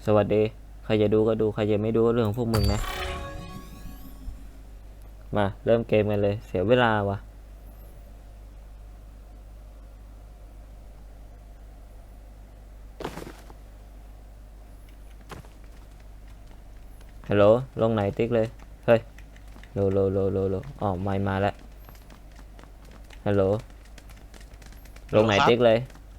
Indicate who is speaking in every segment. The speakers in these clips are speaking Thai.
Speaker 1: สวัสดีใครจะดูก็ดูใครจะไม่ดูก็เรื่องของพวกมึงนะมาเริ่มเกมกันเลยเสียเวลาวะฮัลโหลลงไหนติ๊กเลยเฮ้ยโลอ๋อไม่มาแล้วฮัลโหลลงไหนติ๊กเลย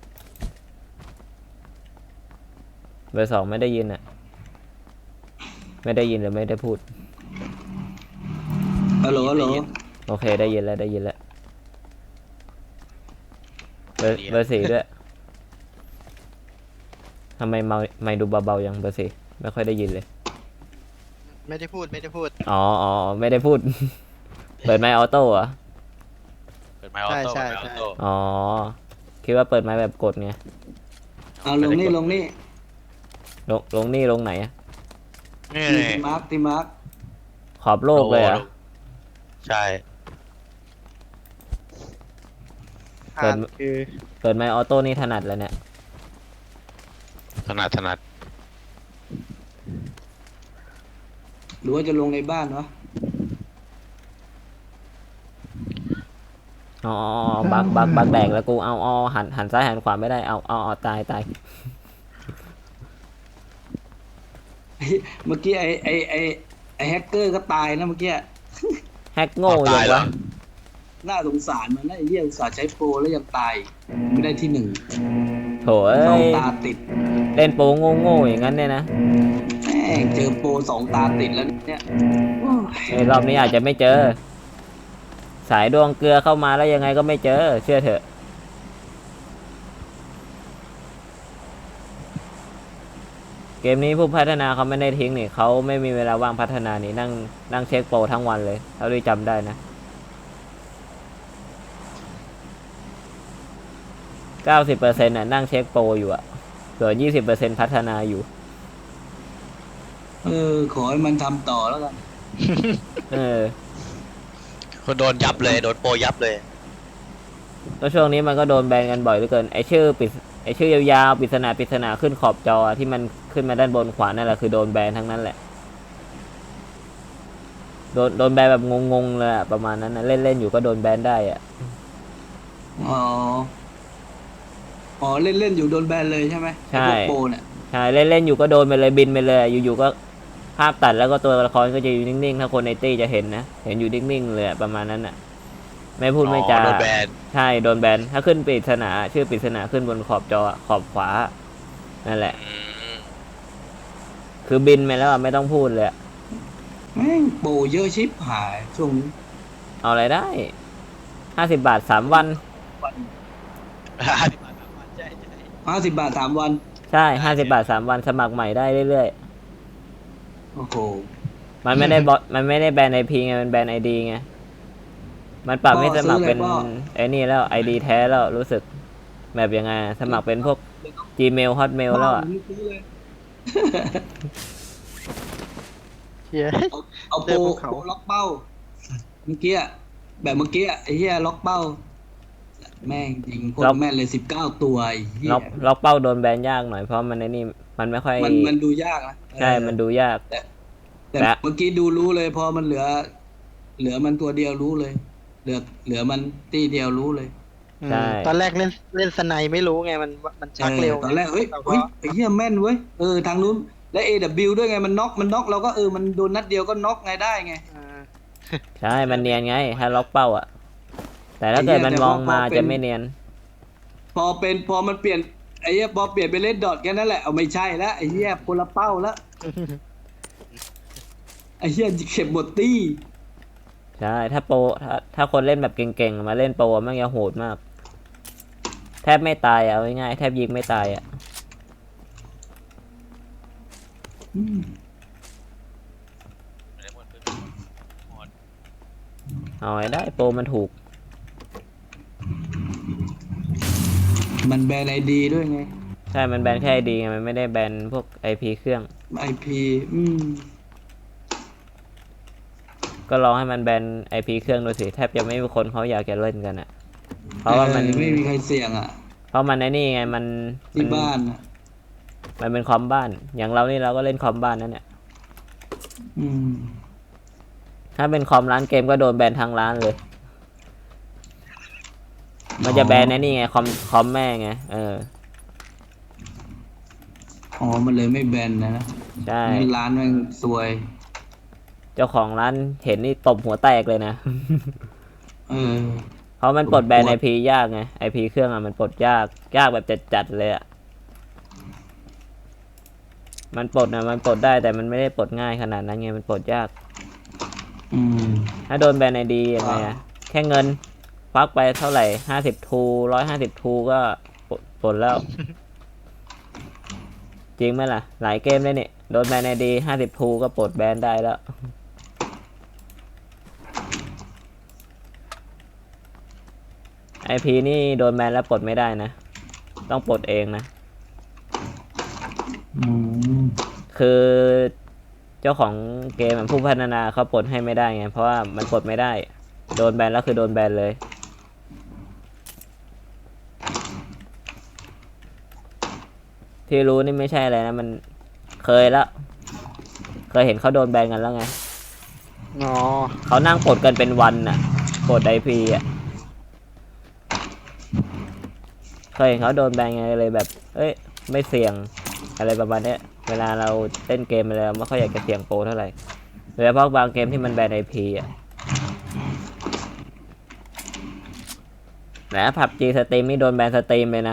Speaker 1: เบอร์ 2ไม่ได้ยินอ่ะไม่ได้ยินหรือไม่ได้พูด
Speaker 2: ฮัลโหลฮัลโหล
Speaker 1: โอเคได้ยินแล้วเบอร์ 4ด้วยทำไมไม่ดูเบาๆยังเบอร์ 4ไม่ค่อยได้ยินเลย
Speaker 3: ไม่ได้พูด
Speaker 1: อ๋อไม่ได้พูด เปิดไมค์ออโต้เหรอ
Speaker 4: เปิดไมค์ออโต้
Speaker 3: ใช่
Speaker 4: เปิดไมค์ออโต้
Speaker 1: อ๋อคิดว่าเปิดไมค์แบบกดไง
Speaker 2: เอาลงนี่
Speaker 1: ลงนี่ลงไหนอะ
Speaker 4: นี่
Speaker 2: ตีมาร์คตีมาร์ค
Speaker 1: ขอบโลกเลยเหรอ่ะ
Speaker 4: ใช่
Speaker 1: เปิด
Speaker 3: คือ
Speaker 1: เปิดไมค์ออโต้นี่ถนัดแล้วเนี่ย
Speaker 4: ถนัด
Speaker 2: หรือว่าจะลงในบ้านวะ
Speaker 1: อ๋อบักแดกแล้วกูเอาหันซ้ายหันขวาไม่ได้เอาตาย
Speaker 2: เมื่อกี้ไอแฮกเกอร์ก็ตายนะเมื่อกี้
Speaker 1: แฮกโง่ยังวะ
Speaker 2: น่าสงสารมันนะไอ้เหี้ยอุตส่าห์ใช้โปรแล้วยังตายไม่ได้ที่ 1
Speaker 1: โถเอ้
Speaker 2: สอง
Speaker 1: ย
Speaker 2: ตาติด
Speaker 1: เล่นโปโง่อย่างนั้นเนี่ยนะ
Speaker 2: แม่งเจอโปร2 ตาติดแล้วเนี่ยโอ้ย
Speaker 1: รอบนี้อาจจะไม่เจอ สายดวงเกลือเข้ามาแล้วยังไงก็ไม่เจอเชื่อเถอะเกมนี้ผู้พัฒนาเขาไม่ได้ทิ้งนี่เขาไม่มีเวลาว่างพัฒนานี่นั่งเช็คโปรทั้งวันเลยเท่าที่จำได้นะ90%น่ะนั่งเช็คโปรอยู่อะส่วน20%พัฒนาอยู่
Speaker 2: ขอให้มันทำต่อแล้วกัน
Speaker 1: เออ
Speaker 4: คนโดนยับเลยโดนโปรยับเลย
Speaker 1: แล้วช่วงนี้มันก็โดนแบนกันบ่อยเหลือเกินไอชื่อยาวๆปริศนาขึ้นขอบจอที่มันขึ้นมาด้านบนขวานั่นแหละคือโดนแบนทั้งนั้นแหละโดนแบนแบบงงๆเลยอะประมาณนั้นนะเล่นอยู่ก็โดนแบนได้อะ
Speaker 2: อ๋อเล่นอยู่โดนแบนเลยใช่ไหมไอ้พวกโปรเนี่ย
Speaker 1: ใช่เล่นอยู่ก็โดนไปเลยบินไปเลยอยู่ๆก็ภาพตัดแล้วก็ตัวละครก็จะอยู่นิ่งๆถ้าคนในตี้จะเห็นนะเห็นอยู่นิ่งๆเลยอะประมาณนั้นอ่ะไม่พูดไม่จา
Speaker 4: โดนแบน
Speaker 1: ใช่โดนแบนถ้าขึ้นปริศนาชื่อปริศนาขึ้นบนขอบจอขอบขวานั่นแหละ
Speaker 4: อืม
Speaker 1: คือบินไปแล้วอะไม่ต้องพูดเลยอะ
Speaker 2: แม่งโปรเยอะชิบหายช่วงนี้
Speaker 1: เอาอะไรได้50 บาท3 วัน
Speaker 2: 50 บาท3 วัน
Speaker 1: ใช่50 บาท3 วันสมัครใหม่ได้เรื่อย
Speaker 2: โอ้โห
Speaker 1: ๆมันไม่ได้มันไม่ได้แบนไอพีไงมันแบนไอดีไงมันปรับให้สมัครเป็นไอ้นี่แล้วไอดีแท้แล้วรู้สึกแบบยังไงสมัครเป็นพวก Gmail Hotmail แล้วอ่ะ
Speaker 3: เฮีย
Speaker 2: เอาโปรล็อกเป้าเมื่อกี้แบบเมื่อกี้ไอ้เหี้ยล็อกเป้าแม่งยิงโคตรแม่นเลย19 ตัวไอ้เหี้ย
Speaker 1: ล็อกเป้าโดนแบนยากหน่อยเพราะมันไอ้นี่มันไม่ค่อย
Speaker 2: มันดูยากนะ
Speaker 1: ใช่มันดูยาก
Speaker 2: แต่เมื่อกี้ดูรู้เลยพอมันเหลือมันตัวเดียวรู้เลย เหลือมันตีเดียวรู้เลย
Speaker 1: ใช่
Speaker 3: ตอนแรกเล่นสไนไม่รู้ไงมันชักเร็ว
Speaker 2: ตอนแรกเฮ้ยไอ้เหี้ยแม่นเว้ยทางนู้นและ AW ด้วยไงมันน็อกเราก็มันโดนนัดเดียวก็น็อกไงได้ไง
Speaker 1: ใช่มันเนียนไงถ้าล็อกเป้าอ่ะแต่ถ้าเกิดมันมองมาจะไม่เนียน
Speaker 2: พอมันเปลี่ยนไอ้เหี้ยพอเปลี่ยนไปเล่นดอทแค่นั้นแหละเอาไม่ใช่แล้วไอ้เหี้ยคนละเป้าแล้วไอ้เหี้ยเข็บหมดตี้
Speaker 1: ใช่ถ้าโปรถ้าคนเล่นแบบเก่งๆมาเล่นโปรมันจะโหดมากแทบไม่ตายอ่ะเอาง่ายๆแทบยิงไม่ตายอ่ะเอาไว้ได้โปรมันถูก
Speaker 2: มันแบนไอดีด้วยไง
Speaker 1: ใช่มันแบนแค่ไอดีไงมันไม่ได้แบนพวกไอพีเครื่อง
Speaker 2: IP
Speaker 1: ก็ลองให้มันแบนไอพีเครื่องดูสิแทบจะไม่มีคนเขาอยากจะเล่นกันอ่ะเพราะว่ามัน
Speaker 2: ไม่มีใครเสี่ยงอ่ะ
Speaker 1: เพราะมันไอ้นี่ไงมัน
Speaker 2: ที่บ้าน
Speaker 1: มันเป็นคอมบ้าน อย่างเรานี่เราก็เล่นคอมบ้านนั่นเนี่ย
Speaker 2: อืม
Speaker 1: ถ้าเป็นคอมร้านเกมก็โดนแบนทางร้านเลย มันจะแบนในนี่ไงคอมแม่ไง
Speaker 2: อ๋อมันเลยไม่แบนนะ
Speaker 1: ใช่
Speaker 2: งั้นร้านแม่งซวย
Speaker 1: เจ้าของร้านเห็นนี่ตบหัวแตกเลยนะ
Speaker 2: เออ
Speaker 1: เพราะมันปลดแบนไอพียากไงไอพีเครื่องมันปลดยากแบบจัดเลยอะมันปลดมันปลดได้แต่มันไม่ได้ปลดง่ายขนาดนั้นไงมันปลดยาก
Speaker 2: อืม
Speaker 1: ถ้าโดนแบนไอดียังไงอะแค่เงินควักไปเท่าไหร่50 ทู150 ทูก็ปลดแล้ว จริงไหมล่ะ หลายเกมเลยเนี่ยโดนแบนไอดี50 ทูก็ปลดแบนได้แล้วไอพีนี่โดนแบนแล้วปลดไม่ได้นะ ต้องปลดเองนะ
Speaker 2: อืม
Speaker 1: คือเจ้าของเกมผู้พัฒนาเขาปลดให้ไม่ได้ไง เพราะว่ามันปลดไม่ได้ โดนแบนแล้วคือโดนแบนเลย ที่รู้นี่ไม่ใช่อะไรนะ มันเคยแล้ว เคยเห็นเขาโดนแบนกันแล้วไง
Speaker 3: อ๋อ
Speaker 1: เขานั่งปลดกันเป็นวันน่ะปลดไอพีอ่ะเคยเห็นเขาโดนแบนไงเลยแบบ เอ้ย ไม่เสี่ยงอะไรประมาณเนี้ย เวลาเราเล่นเกมอะไรไม่ค่อยอยากจะเสี่ยงโปรเท่าไหร่โดยเฉพาะบางเกมที่มันแบนไอพีอ่ะนะผับจีสตรีมนี่โดนแบนสตรีมเลยนะ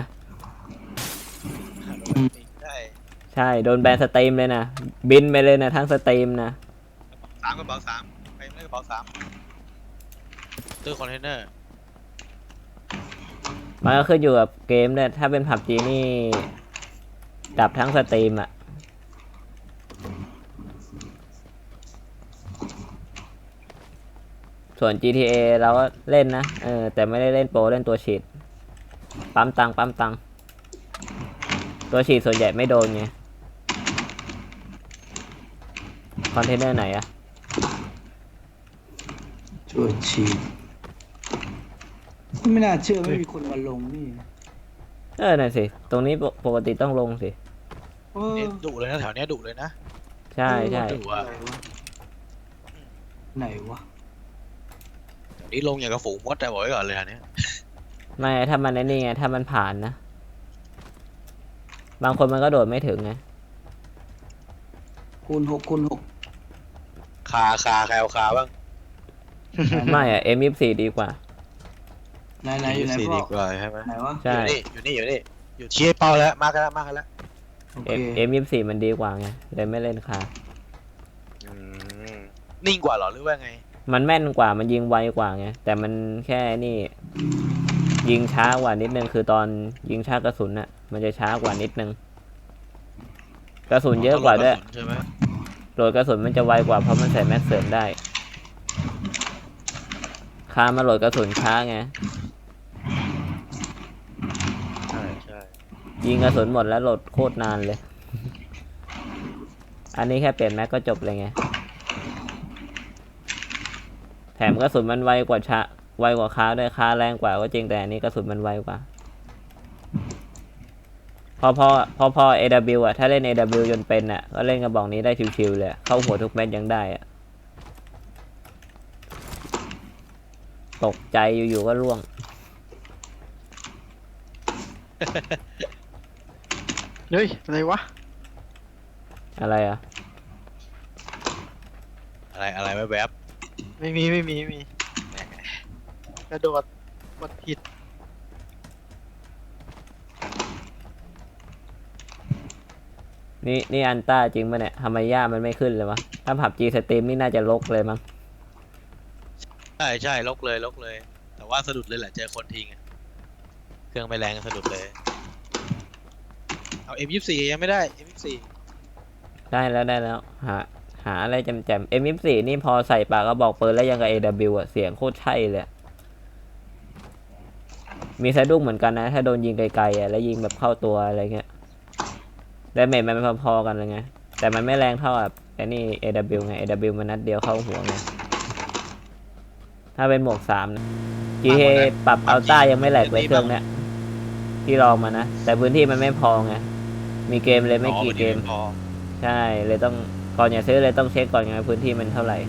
Speaker 4: ใช่
Speaker 1: ใช่โดนแบนสตรีมเลยนะ บินไปเลยนะทั้งสตรีมนะ
Speaker 4: กระเป๋าสามไปไม่กระเป๋าสามตู้คอนเทนเนอร์
Speaker 1: มันก็ขึ้นอยู่กับเกมเนี่ยถ้าเป็นผับจีนี่ดับทั้งสตรีมอ่ะ ส่วน GTA เราก็เล่นนะแต่ไม่ได้เล่นโปรเล่นตัวฉีดปั๊มตังตัวฉีดส่วนใหญ่ไม่โดนไงคอนเทนเนอร์ไหนอะ
Speaker 2: ช่วยชีดไม่น่าเชื่อไม่มีคนมาลงนี่
Speaker 1: นั่นสิตรงนี้ปกติต้องลงสิ
Speaker 2: เออ
Speaker 4: ดุเลยนะแถวเนี้ยดุเลยนะ
Speaker 1: ใช่ใช่
Speaker 4: ดุอ่ะ
Speaker 2: ไหนวะ
Speaker 4: แถวนี้ลงอย่างกระฝูงมดแต่บอกไว้ก่อนเลยอันเนี้ย
Speaker 1: ไม่ถ้ามันไอ้นี่ไงถ้ามันผ่านนะบางคนมันก็โดดไม่ถึงไง
Speaker 2: คูณ 6
Speaker 4: คาใครเอาคาบ้าง
Speaker 1: ไม่อะ M24 ดีกว่า
Speaker 2: ไหนอยู่ไหน
Speaker 4: สี่
Speaker 2: พ่
Speaker 4: ดี
Speaker 2: อก
Speaker 4: ว่าใช่ไหม
Speaker 2: ไหนวะ
Speaker 1: ใช่
Speaker 4: อยู่ชี้เป้าแล้วมากแล้ว
Speaker 2: โอเค
Speaker 1: M24 มันดีกว่าไงเลยไม่เล่นค่ะ
Speaker 4: นิ่งกว่าเหรอหรือว่าไง
Speaker 1: มันแม่นกว่ามันยิงไวกว่าไงแต่มันแค่นี่ยิงช้ากว่านิดนึงคือตอนยิงช้ากระสุนน่ะมันจะช้ากว่านิดนึงกระสุนเยอะกว่าด้วย
Speaker 4: ใช่ไหม
Speaker 1: โหลดกระสุนมันจะไวกว่าเพราะมันใส่แม็กเสริมได้คามาโหลดกระสุนช้าไง
Speaker 4: ใช่
Speaker 1: ยิงกระสุนหมดแล้วโหลดโคตรนานเลย อันนี้แค่เปลี่ยนแม็กก็จบเลยไงแถมกระสุนมันไวกว่าคาด้วยคาแรงกว่าก็จริงแต่อันนี้กระสุนมันไวกว่าพอ AW อ่ะถ้าเล่น AW จนเป็นอ่ะก็เล่นกระบอกนี้ได้ชิวๆเลยเข้าหัวทุกเม็ดยังได้อ่ะตกใจอยู่ๆก็ร่วง
Speaker 3: เฮ้ย อะไรวะ
Speaker 1: อะไรอ่ะ
Speaker 4: อะไรแวบ
Speaker 3: ไม่มีกระโดดกดผิด
Speaker 1: นี่อันต้าจริงป่ะเนี่ยทำไมย่ามันไม่ขึ้นเลยวะถ้าผับจีสตรีมนี่น่าจะลกเลยมั้ง
Speaker 4: ใช่ลกเลย แต่ว่าสะดุดเลยแหละเจอคนทิ้งเครื่องไม่แรงสะดุดเลยเอา M24 ยังไม่ได้ M24
Speaker 1: ได้แล้วหาอะไรแจมๆ M24 นี่พอใส่ปากก็บอกปืนแล้วยังกับ AW อ่ะเสียงโคตรใช่เลยมีสะดุ้งเหมือนกันนะถ้าโดนยิงไกลๆอ่ะแล้วยิงแบบเข้าตัวอะไรเงี้ยดาเมจมันพอๆกันเลยไงแต่มันไม่แรงเท่าแบบไอ้นี่ AW ไง AW มันนัดเดียวเข้าหัวไงถ้าเป็นหมวก3นะ GTA ปรับอัลต้ายังไม่แหลกเลยเครื่องเนี้ยที่ลองมานะแต่พื้นที่มันไม่พอไงมีมีเกมเลยไม่กี่เกม
Speaker 4: พอ
Speaker 1: ใช่เลยต้องก่อนอย่าซื้อเลยต้องเช็คก่อนไงพื้นที่มันเท่าไหร่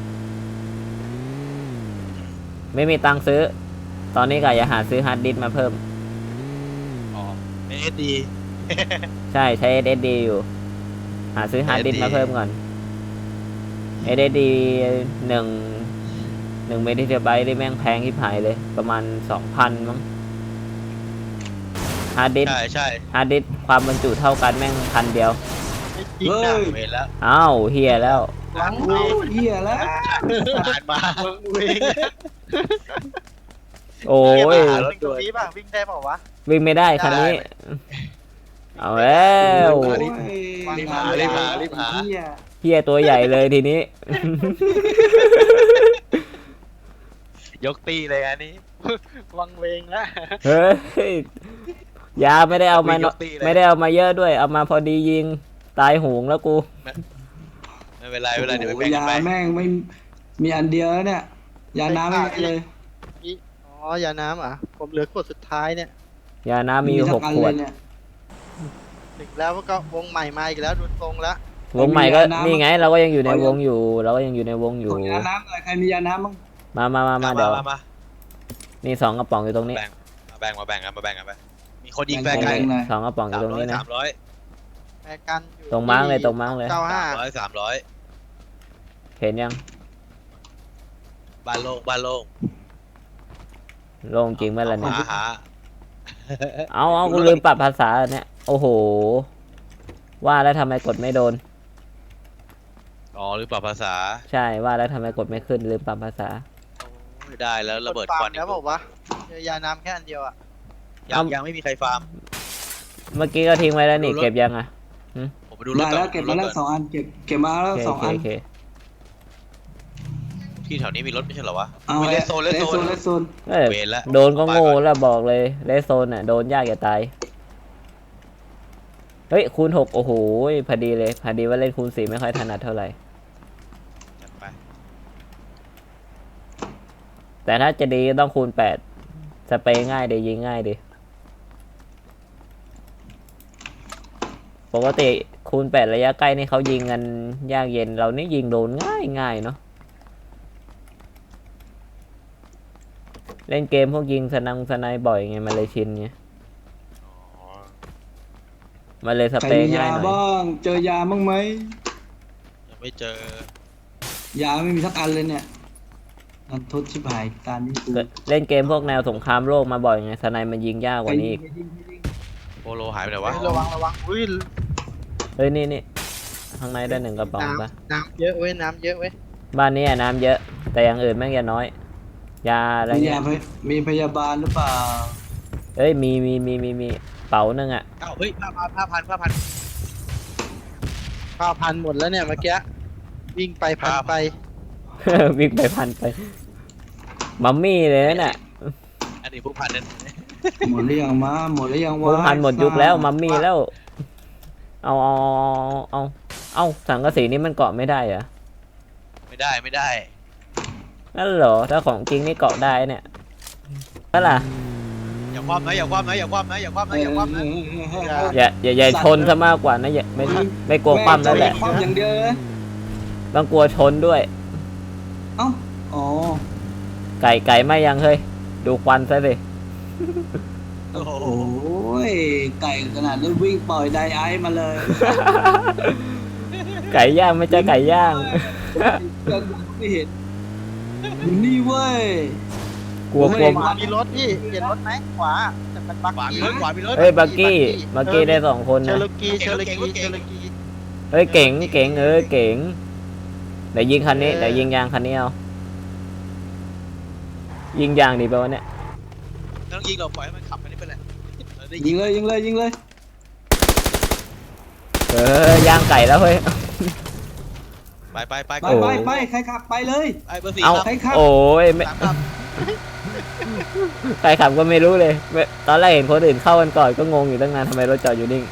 Speaker 1: ไม่มีตังค์ซื้อ ตอนนี้ก็อย่าหาซื้อฮาร์ดดิสก์มาเพิ่ม
Speaker 4: อ๋อ SSD
Speaker 1: ใช่ใช้ SSD อยู่ หาซื้อฮาร์ดดิสก์
Speaker 4: SSD
Speaker 1: มาเพิ่มก่อน SSD 1 เมกะไบต์ได้แม่งแพงที่หายเลย ประมาณ 2,000 มั้งฮาร์ดดิสก์
Speaker 4: ใช่ใช่
Speaker 1: ฮาร์ดดิสก์ความบรรจุเท่ากันแม่ง1,000 เดียว
Speaker 3: ไม่จริง
Speaker 2: เฮ้
Speaker 3: นะ
Speaker 2: ย
Speaker 4: เวรแล้ว
Speaker 1: อ้าวเฮียแล้ว
Speaker 3: หวัง
Speaker 2: โอ้เหี้ยแล้ว
Speaker 4: ผ่านมา
Speaker 3: เวง
Speaker 1: โอ้ย
Speaker 3: วิ่งตรงนี้ป่ะวิ่งได้เปล่าวะ
Speaker 1: วิ่งไม่ได้คันนี้ เอาแล้ว
Speaker 2: โอ้ย
Speaker 3: รีบหา
Speaker 2: เหี้ย
Speaker 1: เฮียตัวใหญ่เลยทีนี้
Speaker 4: ยกตีเลยอันนี้
Speaker 3: วังเวงแล้ว
Speaker 1: เฮ้ยยาไม่ได้เอามาเนอะ
Speaker 4: ยกตีเลย
Speaker 1: ไม่ได้เอามาเยอะด้วย เอามาพอดียิงตายโหงแล้วกู
Speaker 4: ไม่เป็นไรไม่เป็นไรเดี๋ยวไป
Speaker 2: โอ้
Speaker 4: แบ่ง
Speaker 2: โห
Speaker 4: กัน
Speaker 2: ยา
Speaker 4: ไป
Speaker 2: แม่งไม่มีอันเดียวแล้วเนี่ย ยาน้ำไม่มีเลย
Speaker 3: อ๋อยาน้ำอ่ะผมเหลือขวดสุดท้ายเนี่ย
Speaker 1: ยาน้ำมีอยู่
Speaker 2: ทั้งอัน
Speaker 1: 6 ขวด
Speaker 2: เลยเนี่ย
Speaker 3: ถึงแล้วก็วงใหม่มาอีกแล้วดูทรงแล้ว
Speaker 1: วงใหม่ก็
Speaker 2: มียาน้ำ
Speaker 1: นี่ไง เราก็ยังอยู่ในวงอยู่ เราก็ยังอยู่ในวงอยู่
Speaker 2: ขอยาน้ำหน่อยใครมียาน้ำบ้าง
Speaker 1: มาเดี๋ยว
Speaker 4: มา
Speaker 1: นี่2 กระป๋องอยู่ตรงนี้
Speaker 4: มาแบ่งกันไปมีคนยิงแฟร์ไกล
Speaker 2: แบ่งๆหน่อย
Speaker 1: 2 กระป๋องอยู่ตรงนี้นะ
Speaker 4: 300
Speaker 3: แปรกันอยู่
Speaker 1: ตรงมาร์กเลยตรงมาร์กเลย
Speaker 4: 300
Speaker 1: เห็นยัง
Speaker 4: บ้านโล่ง
Speaker 1: โล่งจริงไหมล่ะเนี่ย
Speaker 4: หา
Speaker 1: เอากูลืมปรับภาษาเนี่ย โอ้โห ว่าแล้วทำไมกดไม่โดน
Speaker 4: อ๋อหรือปรับภาษา
Speaker 1: ใช่ว่าแล้วทำไมกดไม่ขึ้นลืมปรับภาษา
Speaker 4: ไม่ได้แล้วระเบิดควัน
Speaker 3: แล้วบอกว่าเจอยาน้ำแค่อันเดียวอ่ะ
Speaker 4: ยังไม่มีใครฟาร์ม
Speaker 1: เมื่อกี้ก็ทิ้งไว้แล้วนี่
Speaker 4: ดูรถ
Speaker 1: เก็บยังอ่ะ
Speaker 4: ผมไปดูรถ
Speaker 2: ได้
Speaker 4: ก่
Speaker 2: แล้
Speaker 4: อ
Speaker 2: วน เก็บมาแล้ว 2 อันเก็บมาแล้ว
Speaker 1: โอเค
Speaker 2: สอง
Speaker 1: โอเค
Speaker 2: อัน
Speaker 1: โอเค
Speaker 4: ที่แถวนี้มีรถไม่ใช่เหรอวะ
Speaker 2: เอา
Speaker 4: มีเลสโซน
Speaker 2: เลสโซน
Speaker 1: เอ้ย
Speaker 4: เวรละ
Speaker 1: โดนก็โง่แล้วบอกเลยเลสโซนอ่ะโดนยากอย่าตาย เฮ้ยคูณ 6 โอ้โหพอดีเลยพอดีว่าเล่นคูณ 4 ไม่ค่อยถนัดเท่าไหร่
Speaker 4: จัดไป
Speaker 1: แต่ถ้าจะดีก็ต้องคูณ 8 สเปรย์ง่ายดียิงง่ายดีปกติคูณ 8 ระยะใกล้นี่เขายิงกันยากเย็นเรานี่ยิงโดนง่ายเนาะเล่นเกมพวกยิงสไนบ่อยไงมันเลยชินไง
Speaker 4: อ๋อ
Speaker 1: มันเลยส
Speaker 2: ใคร
Speaker 1: เปร
Speaker 2: มี
Speaker 1: ย์ง่าย
Speaker 2: ยา
Speaker 1: หน่อย
Speaker 2: บ้างเจอยาบ้างไหม
Speaker 4: ยังไม่เจอ
Speaker 2: ยาไม่มีสักอันเลยเนี่ยนันทดชิบหายตามนี้กู
Speaker 1: เล่นเกมพวกแนวสงครามโลกมาบ่อยไงสไนมันยิงยากกว่านี้อีก
Speaker 4: โปโลหายไปไหนวะ
Speaker 3: ระวังอุ้ย
Speaker 1: เฮ้ยนี่ข้างในได้1 กระป๋องปะ
Speaker 3: น้ำเยอะเว้ยน้ำเยอะเว้ย
Speaker 1: บ้านนี้อะน้ำเยอะ แต่อย่างอื่นแม่งจะน้อย ยาอะไร
Speaker 2: มี
Speaker 1: เงี้
Speaker 2: ยาย มีพยาบาลหรือเปล่า
Speaker 1: เอ้ยมีเป๋านึงอ่ะ
Speaker 4: อ้าวเฮ้ย5,000
Speaker 3: 9,000หมดแล้วเนี่ยเมื่อกี้วิ่งไปพันไป
Speaker 1: วิ่งไปพันไป มัมมี่เลยนั่นน่ะ
Speaker 4: อันนี้พวกพันนั้น
Speaker 2: หมดหรือยังมาหมดหรือยัง
Speaker 1: พ
Speaker 2: วะ
Speaker 1: วกพันหมดยุคแล้วมัมมี่แล้ว เอาสังกะสีนี่มันเกาะไม่ได้เหรอ
Speaker 4: ไม่ได้
Speaker 1: นั่นเหรอถ้าของจริงนี่เกาะได้เนี่ยนั่นล่ะ
Speaker 4: อย่าคว่ำนะอย่าคว่ำนะ
Speaker 1: อย่าชนซะมากกว่านะอย่าไม่กลัวคว่ำแล้วแหละ
Speaker 2: คว่ำอย่างเดียวเลย
Speaker 1: ต้องกลัวชนด้วย
Speaker 2: เอ้าอ๋อ
Speaker 1: ไก่ไม่ยังเฮ้ยดูควันซะสิ
Speaker 4: โอ้โห
Speaker 2: โอ้ยไก่ขนาดนั้นวิ่งปล่อยไดไอซ์มาเลย
Speaker 1: ไก่ย่างไม่ใช่ไก่ย่าง
Speaker 2: ยังไม่เห็นอยู่นี่เว้ย
Speaker 1: กลัว
Speaker 2: ผมไม่
Speaker 1: กลัว
Speaker 2: เห็น
Speaker 3: ขวามีรถพี่เห็นรถไหมขวาแต่เป็นบัก
Speaker 4: ขวามี
Speaker 3: กี้
Speaker 4: รถ
Speaker 1: เฮ้ยบักกี้ได้2 คน
Speaker 3: เชอ
Speaker 1: นะ
Speaker 3: ร์กี
Speaker 4: เก่ง
Speaker 1: เฮ้ยเก๋งเก๋งเดี๋ยวยิงคันนี้เดี๋ยวยิงยางคันนี้เอายิงยางดีป่าวะเนี่ย
Speaker 4: ต้องยิงเราปล่อยให้มันขับไปนี่ไปเลยได้
Speaker 2: ยิ
Speaker 4: ยิ
Speaker 2: ง
Speaker 4: ง
Speaker 2: เลย
Speaker 1: ย่างไก่แล้วเฮ้ย
Speaker 4: ไป
Speaker 2: ไปใครขับไปเลย
Speaker 4: ไอ้เบอร์สี่
Speaker 1: เอา
Speaker 2: ใครขับ
Speaker 1: โอ้ยไม่
Speaker 4: สามครับ
Speaker 1: ใครขับก็ไม่รู้เลยตอนแรกเห็นคนอื่นเข้ากันก่อนก็งงอยู่ตั้งนานทำไมรถจอดอยู่นิ่ง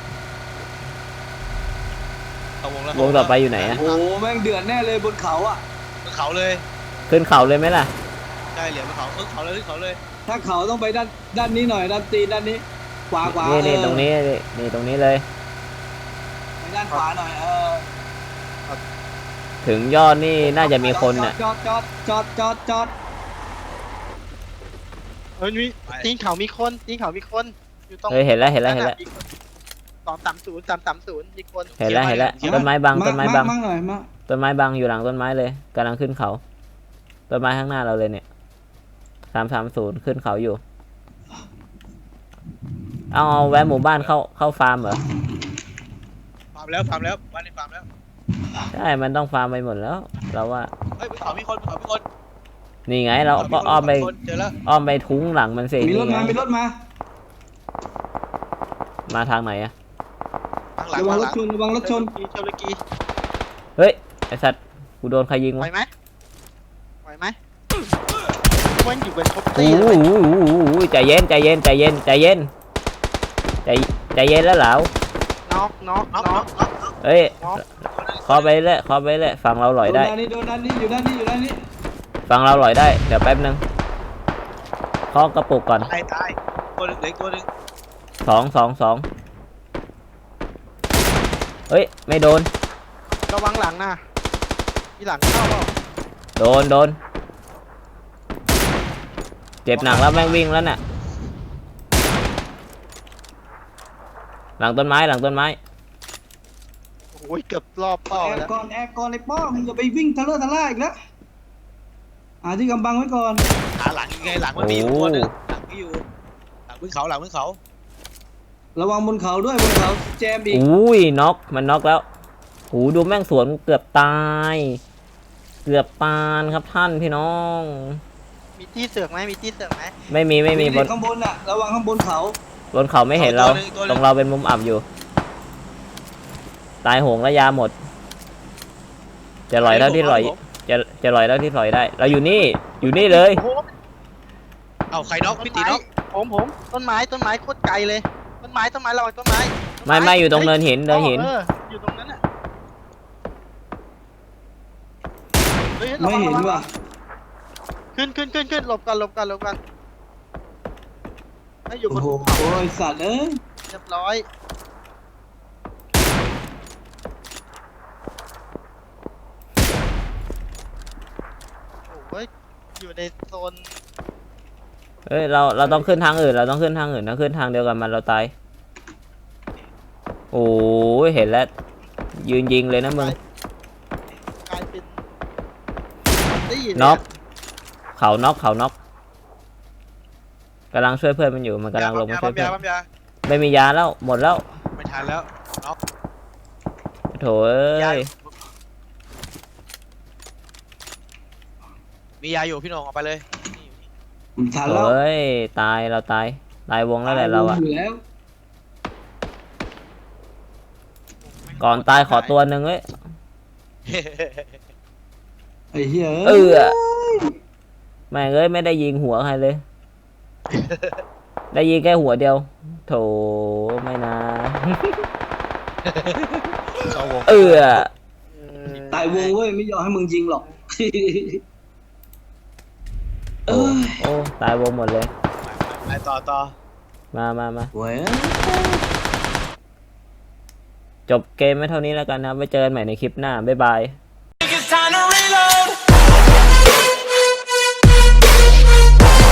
Speaker 4: เข้าวงแล้ว
Speaker 1: วงต่อไปอยู่ไหนอะ
Speaker 2: โอ้แม่งเดือดแน่เลยบนเขาอ่ะ
Speaker 4: ขึ้นเขาเลย
Speaker 1: ขึ้นเขาเลยไหมล่ะ
Speaker 4: ใช่เหลียวบนเขาเขาเลยขึ้นเขาเลย
Speaker 2: ถ้าเขาต้องไปด้านนี้หน่อยด้านตีนด้านนี้ขวา
Speaker 1: นี่
Speaker 2: เออ
Speaker 1: ตรงนี้นี่ตรงนี้เลย
Speaker 2: ด้านขวาหน่อย
Speaker 1: ถึงยอดนี่น่าจะมีคนน่ะ
Speaker 2: จอด
Speaker 3: มีตีนเขามีคนตีนเขามีคนอยู่ตรง
Speaker 1: เฮ้ยเห็นแล้ว
Speaker 3: 230 มีคน
Speaker 1: เห็นแล้วต้นไม้บัง
Speaker 2: มั่งหน่อยมา
Speaker 1: ต้นไม้บังอยู่หลังต้นไม้เลยกำลังขึ้นเขาต้นไม้ข้างหน้าเราเลยเนี่ย330ขึ้นเขาอยู่เอาแวะหมู่บ้านเข้าฟาร์มเหรอ
Speaker 4: ฟาร์มแล้วบ้านนี้ฟาร์มแล้ว
Speaker 1: ใช่มันต้องฟาร์มไปหมดแล้วเราว่า
Speaker 4: เฮ้ยบนเขามีคน
Speaker 1: นี่ไงเราก็อ้อมไป
Speaker 4: เจอแล้ว
Speaker 1: อ้อมไปทุ้งหลังมันสิ
Speaker 2: มีรถ
Speaker 1: นี่ไง
Speaker 2: มา
Speaker 1: มาทางไหนอะ
Speaker 4: ข้างหลัง
Speaker 2: ระวัง
Speaker 4: ข้าง
Speaker 2: ร
Speaker 4: หลัง
Speaker 2: ถชน
Speaker 3: เชลกี
Speaker 1: เฮ้ยไอสัตว์กูโดนใครยิง
Speaker 3: ไหว
Speaker 1: วะ
Speaker 3: ไหมมันอยู่เป็นครบ
Speaker 1: โอ้
Speaker 3: ตี
Speaker 1: โหใจเย็นใจเย็นแล้วเหลา
Speaker 3: น็อก
Speaker 1: เฮ้ยขอไปเลยฟังเราหลอยได้
Speaker 2: โดนด้านนี้อยู่ด้านนี้
Speaker 1: ฟังเราหลอยได้เดี๋ยวแป๊บนึงเคาะกระปุกก่อน
Speaker 4: ตายตัวหนึ่งเด็กตัวหนึ่ง
Speaker 1: สองเฮ้ยไม่โดน
Speaker 3: ระวังหลังนะมีหลังเข้าเปล่า
Speaker 1: โดนเจ็บหนักแล้วแม่งวิ่งแล้วน่ะหลังต้นไม้
Speaker 3: โอ้ยเกือบรอบเป้า
Speaker 2: แอ
Speaker 3: แล้ว
Speaker 2: ร์ก่อนเลยป้อมึงอย่าไปวิ่งทะเลาะอีกนะที่กำบังไว้ก่อน
Speaker 4: หาหลังยังไงหลังมันมีอยู่ตัวหนึงหลังไม่อยู่หลังบนเขา
Speaker 2: ระวังบนเขาด้วยบนเขาแจมอีก
Speaker 1: อุ้ยน็อกมันน็อกแล้วโอ้ดูแม่งสวนเกือบตาย เกือบปานครับท่านพี่น้อง
Speaker 3: มีที่เสือกไหม
Speaker 1: ไม่มีบน
Speaker 2: ข้างบนน่ะระวังข้างบนเขา
Speaker 1: บนเขาไม่เห็นเราตรงเราเป็นมุมอับอยู่ ตายโหงแล้วยาหมด จะลอยเท่าที่ลอยจะลอยเท่าที่ลอยได้ เราอยู่นี่เลย
Speaker 4: เอาใครน็อกพี่ตีน็อก
Speaker 3: ผมต้นไม้โคตรไกลเลยต้นไม้ระวังต้นไม้
Speaker 1: ไม่อยู่ตรงเนินหิน
Speaker 3: อยู่ตรงนั้นน่ะฮ้ย
Speaker 2: ไม่เห็นว่ะ
Speaker 3: ขึ้นหลบกันให้อยู่บ
Speaker 2: โอ้
Speaker 3: น
Speaker 2: โห
Speaker 3: ภูเขา
Speaker 2: ไอ้สัตว์เอ้ย
Speaker 3: เรียบร้อยโอ้ยอยู่ในโซน
Speaker 1: เฮ้ยเราต้องขึ้นทางอื่นถ้าขึ้นทางเดียวกันมันเราตายโอ้ยเห็นแล้วยืนยิงเลยนะมึง
Speaker 3: กลายเป็นได้ยิน
Speaker 1: น็อกเขาน็อกกำลังช่วยเพื่อนมันอยู่มันกำลังลงมาช่วยเพื่อน
Speaker 4: ปั๊มยา
Speaker 1: ไม่มียาแล้วหมดแล้ว
Speaker 4: ไม่ทันแล้วน็อก
Speaker 1: โถเอ้
Speaker 4: ยาย มียาอยู่พี่น้องออกไปเลย
Speaker 2: ทัน
Speaker 1: โถ
Speaker 2: แล้ว
Speaker 1: เอ้ยตายวงแล้วแหละเราอะ
Speaker 2: อยู่แล้ว
Speaker 1: ก่อนตายขอตัวหนึ่งเอ้ย
Speaker 2: ไอ้เหี้ย
Speaker 1: แม่งเอ้ยไม่ได้ยิงหัวใครเลย ได้ยิงแค่หัวเดียว โถไม่นะ
Speaker 4: เข้าวง
Speaker 2: ตายวงเว้ยไม่ยอมให้มึงยิงหรอก
Speaker 1: โอ้ตายวงหมดเลย
Speaker 4: ไปต่อ
Speaker 1: มา
Speaker 2: เว้ย
Speaker 1: จบเกมไม่เท่านี้แล้วกันนะไว้เจอกันใหม่ในคลิปหน้าบ๊ายบาย
Speaker 5: It's time to reload.